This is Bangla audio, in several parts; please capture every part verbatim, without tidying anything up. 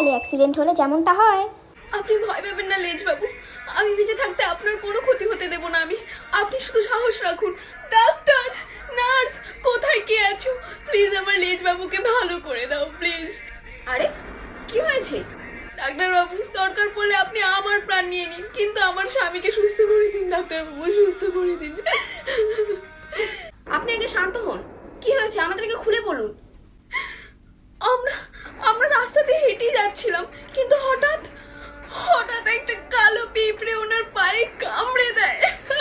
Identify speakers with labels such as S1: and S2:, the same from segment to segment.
S1: গেলে অ্যাক্সিডেন্ট হলে যেমনটা হয়।
S2: আপনি ভয় পাবেন না লেজ বাবু, আমি বেঁচে থাকতে আপনার কোনো ক্ষতি হতে দেব না আমি। আপনি শুধু সাহস রাখুন। ডাক্তার, নার্স, কোথায় কে আছো? প্লিজ আমার লেজ বাবুকে ভালো করে দাও প্লিজ। আরে কি হয়েছে? ডাক্তার বাবু, দরকার পড়লে আপনি আমার প্রাণ নিয়ে নিন, কিন্তু আমার স্বামীকে সুস্থ করে দিন। ডাক্তার বাবু, সুস্থ করে দিন। আপনি আগে শান্ত হন। কি হয়েছে আমাদেরকে খুলে বলুন। আমরা আমরা রাস্তা দিয়ে হেঁটেই যাচ্ছিলাম, কিন্তু হঠাৎ হঠাৎ একটা কালো পিঁপড়ে ওনার পায়ে কামড়ে দেয়।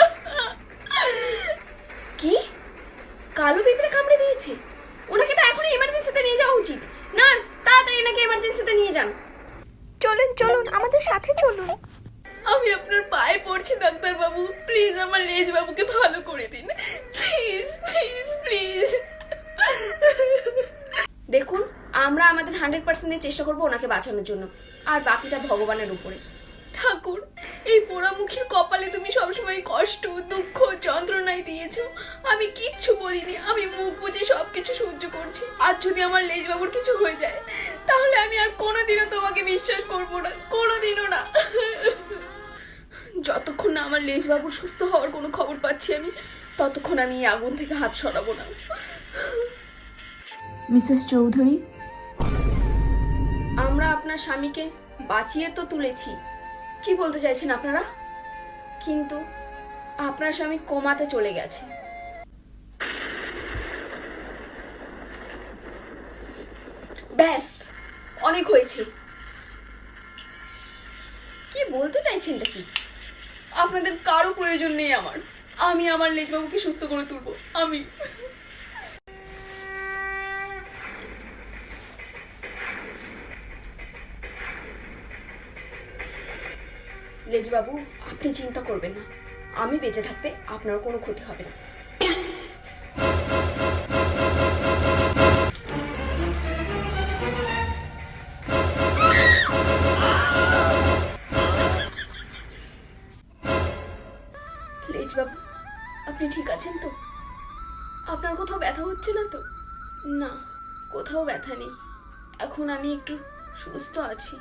S2: কি? কালো পিঁপড়ে কামড়ে দিয়েছে? ওনাকে তো এখনই এমার্জেন্সিতে নিয়ে যাওয়া উচিত। নার্স, তাড়াতাড়ি এনাকে এমার্জেন্সিতে নিয়ে যান।
S1: চলুন চলুন, আমাদের সাথে চলুন।
S2: আমি আপনার পায়ে পড়ছি ডাক্তার বাবু, প্লিজ আমার লেজ বাবুকে ভালো করে দিন। Please please please. দেখুন, আমরা আমাদের হান্ড্রেড পার্সেন্টের চেষ্টা করবো ওনাকে বাঁচানোর জন্য, আর বাকিটা ভগবানের উপরে। ঠাকুর, এই পোড়ামুখীর কপালে তুমি সবসময় কষ্ট, দুঃখ, যন্ত্রণাই দিয়েছো। আমি কিচ্ছু বলিনি, আমি মুখ বুঝে সবকিছু সহ্য করছি। আর যদি আমার লেজ বাবুর কিছু হয়ে যায়, তাহলে আমি আর কোনোদিনও তোমাকে বিশ্বাস করবো না, কোনোদিনও না। যতক্ষণ না আমার লেজ বাবুর সুস্থ হওয়ার কোনো খবর পাচ্ছি আমি, ততক্ষণ আমি এই আগুন থেকে হাত সরাবো না।
S3: মিসেস চৌধুরী,
S2: আমরা আপনার স্বামীকে বাঁচিয়ে তো তুলেছি, কি বলতে চাইছেন আপনারা? কিন্তু আপনার স্বামী কোমাতে চলে গেছে। ব্যাস, অনেক হয়েছে। কি বলতে চাইছেনটা কি? আপনাদের কারো প্রয়োজন নেই আমার। আমি আমার লেজবাবুকে সুস্থ করে তুলবো। আমি লেজবাবু, আপনি চিন্তা করবেন না, আমি বেঁচে থাকতে আপনার কোনো ক্ষতি হবে না। লেজবাবু, আপনি ঠিক আছেন তো? আপনার কোথাও ব্যথা হচ্ছে না তো? না, কোথাও ব্যথা নেই। এখন আমি একটু সুস্থ আছি।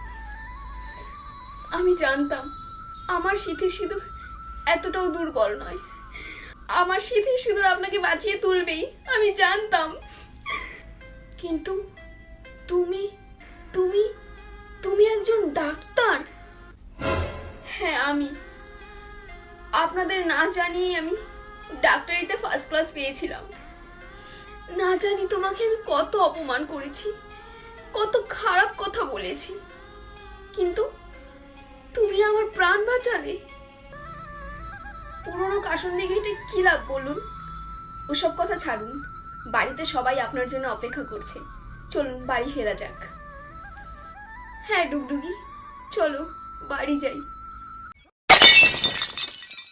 S2: আমি জানতাম আমার সিঁথির সিঁদুর এতটাও দুর্বল নয়। আমার সিঁথির সিঁদুর আপনাকে বাঁচিয়ে তুলবেই, আমি জানতাম। কিন্তু তুমি তুমি তুমি একজন ডাক্তার। হ্যাঁ, আমি আপনাদের না জানিয়ে আমি ডাক্তারিতে ফার্স্ট ক্লাস পেয়েছিলাম। না জানি তোমাকে আমি কত অপমান করেছি, কত খারাপ কথা বলেছি, কিন্তু তুমি আমার প্রাণ বাঁচালে। পুরনো কাসন্দি ঘেটে কি লাভ বলুন? ওসব কথা ছাড়ুন, বাড়িতে সবাই আপনার জন্য অপেক্ষা করছে। চলুন বাড়ি ফেরা যাক। হ্যাঁ ডুগডুগি, চলো বাড়ি যাই।